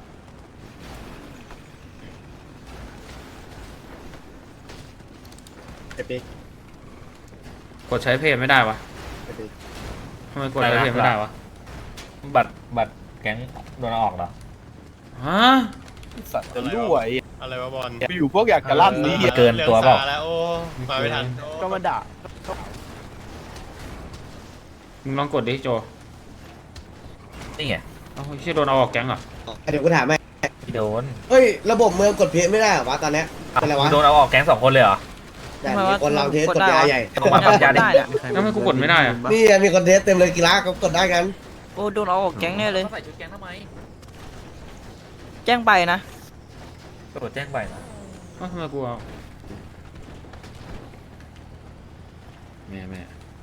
Speaker 3: กดใช้เพจไม่ได้วะทำไมกดใช้เพจไม่ได้วะ
Speaker 4: บัตรแก๊งโดนเอาออกเหรอ
Speaker 3: ฮะ
Speaker 8: สัตว์จะรั่วไอ้
Speaker 6: อะไรวะบอล
Speaker 8: อยู่พวกอยากจะลั่นนี่
Speaker 4: เกินตัวเปล่า
Speaker 6: แล้วโอ้มาไม่ทัน
Speaker 8: ก็มาด่า
Speaker 3: มึงลองกดดิโจ
Speaker 4: นี่ไง
Speaker 3: เอ้าเชี่ยโดนเอาออกแก๊งเหรอ
Speaker 1: เดี๋ยวกูถามให้
Speaker 4: โดน
Speaker 1: เฮ้ยระบบเมืองกดเพจไม่ได้เหรอวะตอนเนี้ยเป็นไรวะ
Speaker 4: โดนเอาออกแก๊ง2 คนเลยเหรอ
Speaker 1: แต่มีคนเราเทสกดยาใหญ่
Speaker 4: ต้องมาปรับยาดิ
Speaker 3: แล้วทำไมกูกดไม่ได้อะ
Speaker 1: นี่มีคนเทสเต็มเลยกีฬาก็กดได้กัน
Speaker 7: โอ้โดนเอาออกแก๊งแน่เลย
Speaker 4: ใส่ชุดแก๊งทำไม
Speaker 7: แจ้งใบนะ
Speaker 4: กดแจ้งไปนะ
Speaker 3: เอ้าทำไมกูเอาแม่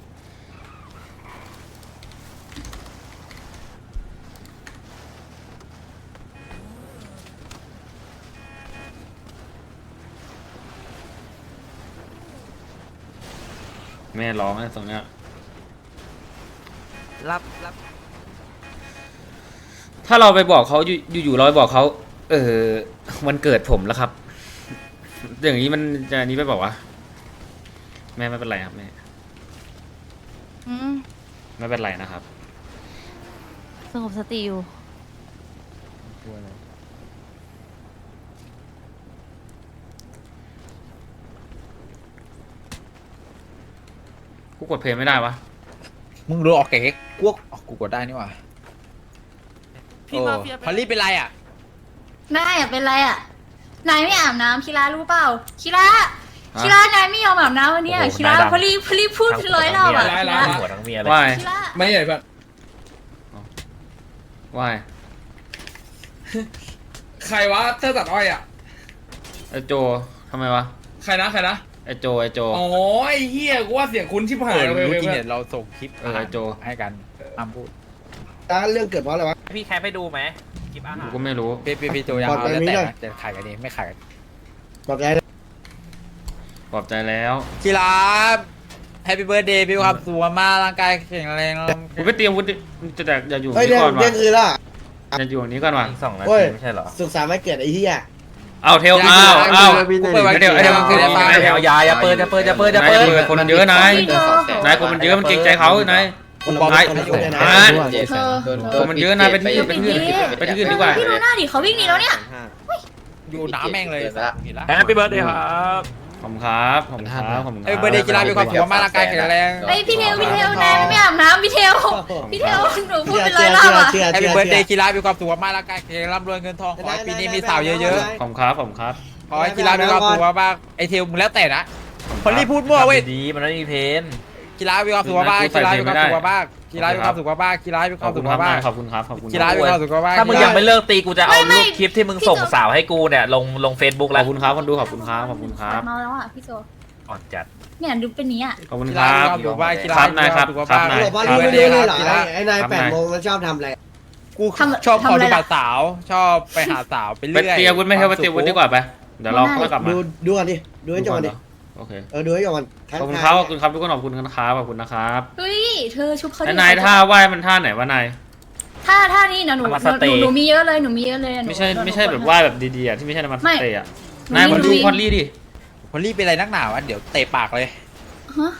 Speaker 3: แม่ร้องไอ้ตรงเนี้ย
Speaker 7: รับ
Speaker 3: ถ้าเราไปบอกเขาอยู่เราไปบอกเขาวันเกิดผมแล้วครับ อย่างนี้มันจะอันนี้ไปบอกว่าแม่ไม่เป็นไรครับแม่
Speaker 9: อืม
Speaker 3: ไม่เป็นไรนะครับ
Speaker 9: สงบสติอยู่
Speaker 3: กูกดเพลงไม่ได้วะ
Speaker 4: มึงโดนออกแก๊งกูกดได้นี่หว่าพี่มาเฟียพอลลี่เป็นไรอ่ะ
Speaker 9: นายอ่ะเป็นไรอ่ะ นายไม่อาบน้ำคิรารู้เปล่าคิรานายไม่ยอมอาบน้ำวันเนี้ยคิราพลีพูด100 รอบอ่ะคิรา
Speaker 4: หัวทั้งเมียเลย
Speaker 3: ว่าย
Speaker 9: คิรา
Speaker 6: ไม่ใหญ่แบบ
Speaker 3: ว่าย
Speaker 6: ใครวะเธอตัดอ้อยอ่ะ
Speaker 3: ไอโจทำไมวะ
Speaker 6: ใครนะ
Speaker 3: ไอโจ
Speaker 6: อ๋อไอ้เฮียกูว่าเสียงคุณชิบหายเลย
Speaker 4: เมื่อกี้
Speaker 6: เว้ย
Speaker 4: เนี่ยเราส่งคลิป
Speaker 3: ไอโจ
Speaker 4: ให้กันอ้ำพูด
Speaker 1: เรื่องเกิดเพราะอะไรวะ
Speaker 4: พี่แคปไปดูไหมคลิปอาหาร
Speaker 3: กูก็ไม่รู้
Speaker 4: พี่โจยังเอาแล้วแต่นะจะขายกันเองไม่ขายกัน
Speaker 1: กดใจ
Speaker 3: ปลอบใจแล้ว
Speaker 4: กีฬาแฮปปี้เบิร์ดเดย์พี่ครับสุขภาพร่างกายแข็งแรง
Speaker 3: กูไปเตรียมวุฒิจะแต่อย่าอยู่
Speaker 1: เฮ้ย
Speaker 3: นี่
Speaker 1: เดี๋ยว
Speaker 3: ก่อนวะ
Speaker 1: เที่ยงคืนละ
Speaker 3: อย่าอยู่นี้ก่อนวะ
Speaker 4: 2 นา
Speaker 1: เฮ้
Speaker 4: ที
Speaker 1: ย
Speaker 4: ไม่ใช่เหรอ
Speaker 1: สุขสันต์วันเกิดไอ้เหี้ย
Speaker 3: เอาเทลเอา
Speaker 4: เปิดวันเกิดอย่าเปิดอย่าเปิด
Speaker 3: นายคนมันเยอะนายคนมันเยอะมันเกรงใจเขานาย
Speaker 1: คนบอกคนเยอะเลยนะ
Speaker 3: คนมันเยอะนายไปที่อื่นดีกว่า
Speaker 9: พี่ดูหน้าดิเขาวิ่งหนีแล้วเนี่ย
Speaker 4: อยู่น้ำแม่งเลย
Speaker 12: แฮปปี้เบิร์ดเดย์ครับ
Speaker 3: ขอบคุณครับขอบคุณครับขอบคุณค
Speaker 4: เอ้
Speaker 3: รั
Speaker 4: ยเบิร์ดเดย์กีฬามีความสุขมากร่างกายแข็งแรง
Speaker 9: ไอพี่เทลนายไม่อาบน้ำพี่เทลหนูพูดเป็น100 รอบอ่ะ
Speaker 1: เชื่อ
Speaker 4: แฮปปี้เบิร์ดเดย์กีฬามีความสุขมากร่างกายแข็งแรงร่ำรวยเงินทองขอให้ปีนี้มีสาวเยอะ
Speaker 3: ขอบคุณครับขอบคุณครับ
Speaker 4: ๆขอให้กีฬามีความสุขมากไอเทลมึงแล้วแต่นะพอลลี่พูดมั่วเว้ย
Speaker 5: ดีมันไม่มีเพน
Speaker 4: กีฬามีความสุขมากกีฬามีความสุขมากกีฬามีความสุขมากกีฬามีค
Speaker 3: ข
Speaker 4: วา
Speaker 3: อ
Speaker 4: ม
Speaker 3: บ
Speaker 4: สุ
Speaker 3: คุณ
Speaker 4: ข
Speaker 3: ครับ
Speaker 4: มาก
Speaker 3: ขอบคุณครับขอบคุณ
Speaker 4: กีฬามีความสุขมาก
Speaker 5: ถ้ามึงยังไม่เลิกตีกูจะเอา
Speaker 9: ไม่
Speaker 5: รูปคลิปที่มึงส่งสาวให้กูเนี่ยลง Facebook
Speaker 3: ข
Speaker 5: แล้
Speaker 3: อ
Speaker 5: ว
Speaker 3: บคุณครับคนดูขอบคุณครับขอบคุณครับ
Speaker 9: เมาแล้วอ่ะพี่โจ
Speaker 4: อ่อนจัด
Speaker 9: เนี่ยดูเป็นนี้อ่ะ
Speaker 3: ขอบคุณ
Speaker 4: กี
Speaker 3: ค
Speaker 4: ฬา
Speaker 3: รับ
Speaker 4: มีความสุขมากกีฬา
Speaker 3: ครับนายครับ
Speaker 4: มีวาม
Speaker 3: ครับ
Speaker 4: สุขมาก
Speaker 3: นาย
Speaker 1: บอกว่ารู้ไม่รู้นี่เหรอไอ้นาย8 โมงมันชอบทำอะไร
Speaker 4: กูชอบขอดูบัตรสาวชอบไปหาสาวไป
Speaker 3: ไป
Speaker 4: เรื่อย
Speaker 3: เตรียมวุฒิไม่ใช่ไปเตรียมวุฒิดีกว่าไปเดี๋ยวเราค่อยกลับมา
Speaker 1: ดูกันดิดูให้จบกันดิ
Speaker 3: โอเค
Speaker 1: ดูให้จบกัน
Speaker 3: ขอบคุณครับขอบคุณครับทุกคนขอบคุณนะครับขอบคุณนะครับ
Speaker 9: เฮ้ยเธอชุบเขา
Speaker 3: ไอ้นายท่าไหว้มันท่าไหนวะนาย
Speaker 9: ท่านี้นะหนูมีเยอะเลย
Speaker 3: ไม่ใช่แบบไหว้แบบดีๆอ่ะที่ไม่ใช่น้ำมันสเตย์อ่ะ
Speaker 9: ไม่
Speaker 3: นายมาดูพอลลี่ดิ
Speaker 4: พอลลี่เป็นอะไรนักหนาวะเดี๋ยวเตะปากเลย
Speaker 9: ฮะ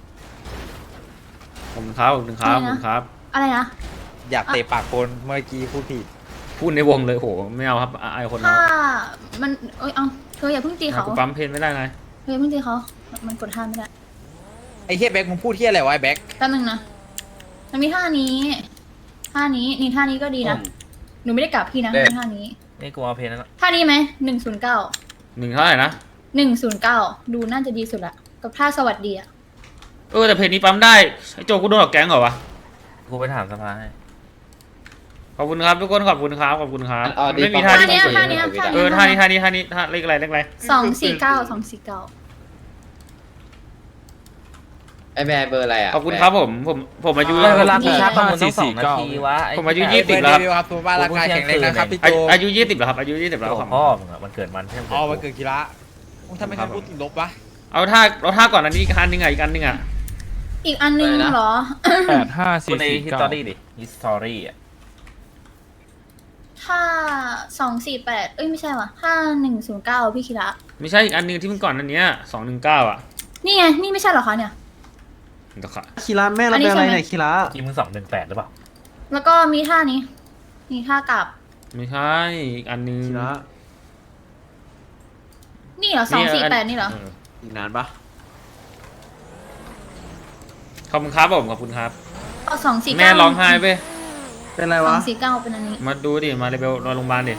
Speaker 3: ขอบคุณครับขอบคุณครับขอบคุณครับ
Speaker 9: อะไรนะ
Speaker 4: อยากเตะปากคนเมื่อกี้พูดผิด
Speaker 3: พูดในวงเลยโหไม่เอาครับอายคนนะ
Speaker 9: ถ้ามันเอาเธออย่าเพิ่งตีเขา
Speaker 3: กูปั๊มเพนไม่ได้นาย
Speaker 9: เธออย่าเพิ่งตีเขามันกดท่าไม่ได้
Speaker 4: ไอ้เฮียแบ็คมึงพูดเฮียอะไรวะไอ้แบ็ค
Speaker 9: แป๊บนึงนะมันมีท่านี้นี่ท่านี้ก็ดีนะหนูไม่ได้กลับพี่นะท่านี้
Speaker 5: นี่กูเอาเพนแล้ว
Speaker 9: ท่านี้ไหม109
Speaker 3: 1เท่าไหร่นะ
Speaker 9: 109ดูน่าจะดีสุดละกับท่าสวัสดีอ่ะ
Speaker 3: แต่เพนนี้ปั๊มได้ไอ้โจกูโดนออกแก๊งเหรอวะ
Speaker 5: กูไปถามสภาให้
Speaker 3: ขอบคุณครับทุกคนขอบคุณครับขอบคุณครับไม่มีท่า
Speaker 9: ท่า
Speaker 3: ที่
Speaker 9: นี้
Speaker 3: สวย
Speaker 9: ท่านี้
Speaker 3: ท่าเลขอะไร
Speaker 9: 249
Speaker 11: ไอแบร์เบอร์อะไรอ่ะ
Speaker 3: ขอบคุณครับผมอายุ
Speaker 4: เวลาพี่ชาร์จประมูลต้อง2 นาทีวะ
Speaker 3: ผมอายุ20แล้ว
Speaker 4: ครับตัวบ้านร่างกายแข็งแรงนะครับพี่โจ
Speaker 3: อายุ20แล้วครับอายุ20แล้วครับ
Speaker 6: พ่อมึงอ่ะมันเกิดมันใช่ไหม
Speaker 4: อ๋อมันเกิดกีฬาทำไมถึงพูดติดลบวะ
Speaker 3: เอาท่าก่อนอันนี้อีกอันนึงอ่ะอีกอันนึงอ่ะ
Speaker 9: อีกอันนึงเหรอ
Speaker 6: คุณในฮิสตอรี่ดิฮิสตอรี่อ่ะ
Speaker 9: ถ้า248ไม่ใช่ว่ะ5109พี่คิระ
Speaker 3: ไม่ใช่อีกอันนึงที่มันก่อนอันเนี้ย219อ่ะ
Speaker 9: นี่ไงนี่ไม่ใช่เหรอคะเนี่ย
Speaker 3: เดี๋ยวค่ะ
Speaker 1: คีระแม่เราเป็นอะไรเนี่ยคีระ
Speaker 6: ทีมึง218หรือเปล่า
Speaker 9: แล้วก็มีท่านี้มีท่ากลับ
Speaker 3: ไม่ใช่อีกอันนึง
Speaker 1: คีระ
Speaker 9: นี่เหรอ248นี่เหรอ
Speaker 1: อีกนานปะ
Speaker 3: ขอบคุณครับผมขอบคุณครับ
Speaker 9: เอา249
Speaker 3: แม่ร้องไห้ไป
Speaker 1: เป็นไรวะ
Speaker 9: 249เป็นอันนี้
Speaker 3: มาดูดิมาเลยเบลนอนโรงพยาบาลดิ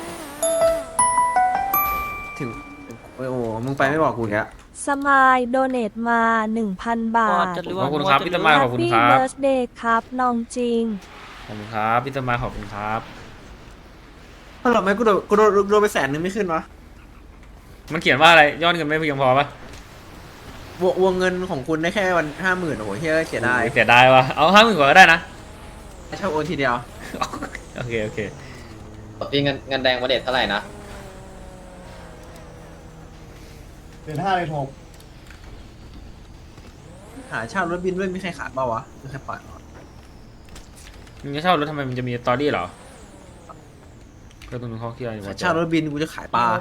Speaker 1: ถึงโอ้โหมึงไปไม่บอกกูแก
Speaker 13: สมายโดเนตมา 1,000 บาท
Speaker 3: ขอบคุณครับพี่ตะมายขอบคุณครับ
Speaker 13: Happy Birthday ครับน้องจริง
Speaker 3: ขอบคุณครับพี่ตะมายขอบคุณครับ
Speaker 1: ถ้าหรอไม่กูโดนไป100,000ไม่ขึ้นวะ
Speaker 3: มันเขียนว่าอะไรยอดเงินไม่เพียงพอปะ
Speaker 1: วงเงินของคุณได้แค่วัน50,000โอ้โหเฮียเสียดาย
Speaker 3: เสียดายวะเอา50,000กว่าก็ได้นะ
Speaker 1: ชอบโอนทีเดียว
Speaker 3: โอเค
Speaker 11: พี่เงินแดงมาเด็ดเท่าไหร่นะ
Speaker 1: เดือน5เลยผมหาเช่ารถบินด้วยมีใครขาดเปล่าวะมีใครปล่อย
Speaker 3: มึงจะเช่ารถทำไมมันจะมีสตอรี่เหรอก็ตรงนู้นเขาเคลียร์อยู่ว่า
Speaker 1: เช่ารถบินกูจะขายปลา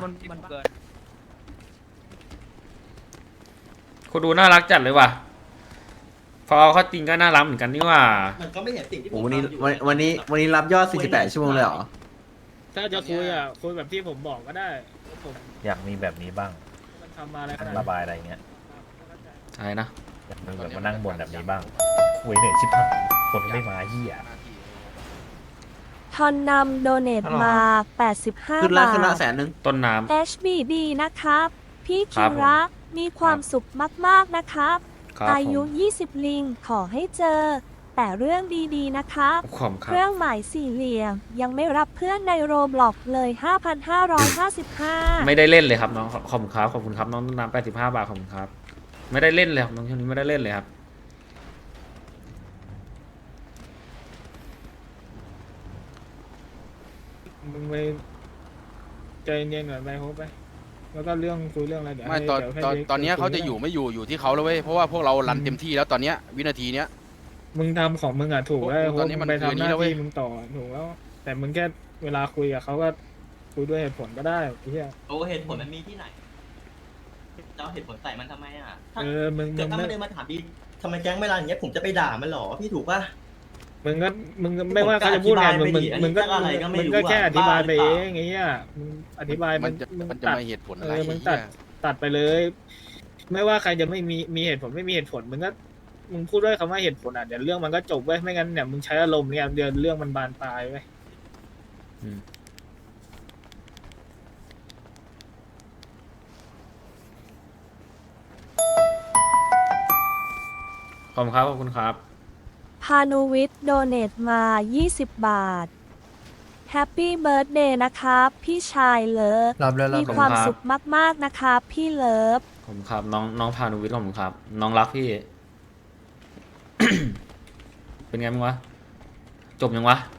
Speaker 3: คนดูน่ารักจัดเลยว่ะพอเขาจริงก็น่ารักเหมือนกันนี่ว่า
Speaker 2: มันก็ไม่เห็นสิ่งที่ผม
Speaker 1: โอ้วันนี้
Speaker 2: ทำอยู่
Speaker 1: วันนี้รับยอด48ชั่วโมงเลยเหรอ
Speaker 6: ถ้าจะคุยอ่ะคุยแบบที่ผมบอกก็ได้ผม
Speaker 14: อยากมีแบบนี้บ้าง
Speaker 6: มันทำมาอะไรขนาด
Speaker 14: ระบายอะไรเงี้ย
Speaker 3: อะไรนะ
Speaker 14: อยากมีแบบมานั่งบนแบบนี้บ้างคุยเหนื่อยชิบหายคนไม่มาเหี้ย
Speaker 13: ทอนนำโดเนตมา 85
Speaker 1: ขึ้นละ
Speaker 13: บาท
Speaker 1: 100,000
Speaker 3: ต้นน้
Speaker 13: HBD นะครับ พี่
Speaker 3: ครั
Speaker 13: คิ
Speaker 3: บ
Speaker 13: ระมีความสุขมากๆนะครับ
Speaker 3: ครับ
Speaker 13: อายุ
Speaker 3: ผม
Speaker 13: 20 ลิงขอให้เจอ แต่เรื่องดีๆนะครับ
Speaker 3: ขอบคุณค
Speaker 13: เครับ รื่องหมายสี่เหลี่ยม ยังไม่รับเพื่อนในโรบล็อกเลย 5,555
Speaker 3: ไม่ได้เล่นเลยครับน้องขอบคุณครับขอบคุณครับน้องต้นน้ำ85 บาทขอบคุณครับ ไม่ได้เล่นเลยครับน้องคนนี้ไม่ได้เล่นเลยครับ
Speaker 6: มึงไปใจเย็นๆก่อนไปโฮปไปแล้วก็เรื่องคุยเรื่องอะไรเดี๋ยว
Speaker 10: ไม่
Speaker 6: ให้
Speaker 10: ตอน
Speaker 6: เดี๋ยวให้
Speaker 10: ตอน
Speaker 6: เล็ก
Speaker 10: ตอนเนี้ย
Speaker 6: คุ
Speaker 10: เขาจะอยู่ไม่อยู่อยู่ที่เขาแล้วเว้ยเพราะว่าพวกเรารันเต็มที่แล้วตอนเนี้ยวินาทีเนี้ย
Speaker 6: มึงทำของมึงอ่ะถูกแล้วโฮ
Speaker 10: ตอ
Speaker 6: ป
Speaker 10: นนี้
Speaker 6: มึ
Speaker 10: มัน
Speaker 6: งไป
Speaker 10: คืน
Speaker 6: ทำห
Speaker 10: นี้
Speaker 6: น้า
Speaker 10: แล้วเว้ย
Speaker 6: ที่มึงต่อถูกแล้ว แต่มึงแค่เวลาคุยกับเขาก็คุยด้วยเหตุผลก็ได้ไอ้เหี้ย
Speaker 2: โอ้เหตุผลมันมีที่ไหนจะเอาเหตุผลใส่มันทำไมอ่ะถ้า
Speaker 6: มึง
Speaker 2: เกิดถ้า
Speaker 6: ไม่
Speaker 2: ไม่ได้มาถามพี่ทำไมแก๊งเวลาอย่างเงี้ยผมจะไปด่ามันหรอพี่ถูกป่ะ
Speaker 6: มึงก็ไม่ว่าเขาจะพูดไงมึงก็
Speaker 2: อะไรก็ไม่รู้
Speaker 6: มึงก็แค่อธิบายไป
Speaker 2: บ้า
Speaker 6: เอ
Speaker 2: หรือเปล่า
Speaker 6: งไงเงี้ยมึงอธิบาย
Speaker 10: มันจะ
Speaker 6: มึง
Speaker 10: มันจะ
Speaker 6: ตัด
Speaker 10: มาเหตุผลอะไร
Speaker 6: มึง
Speaker 10: เหี้ย
Speaker 6: ตัดไปเลย ไม่ว่าใครจะไม่มีเหตุผลไม่มีเหตุผลมึงก็มึงพูดด้วยคำว่าเหตุผลอ่ะเดี๋ยวเรื่องมันก็จบเว้ยไม่งั้นเนี่ยมึงใช้อารมณ์เนี่ยเดี๋ยวเรื่องมันบานปลายเว้ย
Speaker 3: ขอบคุณครับขอบคุณครับ
Speaker 13: พานุวิทย์โดเนตมา 20 บาท Happy Birthday นะครับ พี่ชายเลิฟ มีความสุขมากๆนะครับ พี่เลิฟ
Speaker 3: ขอบคุณครับน้องพานุวิทย์ขอบคุณครับ น้องรักพี่ เป็นไงมึงวะจบยังวะ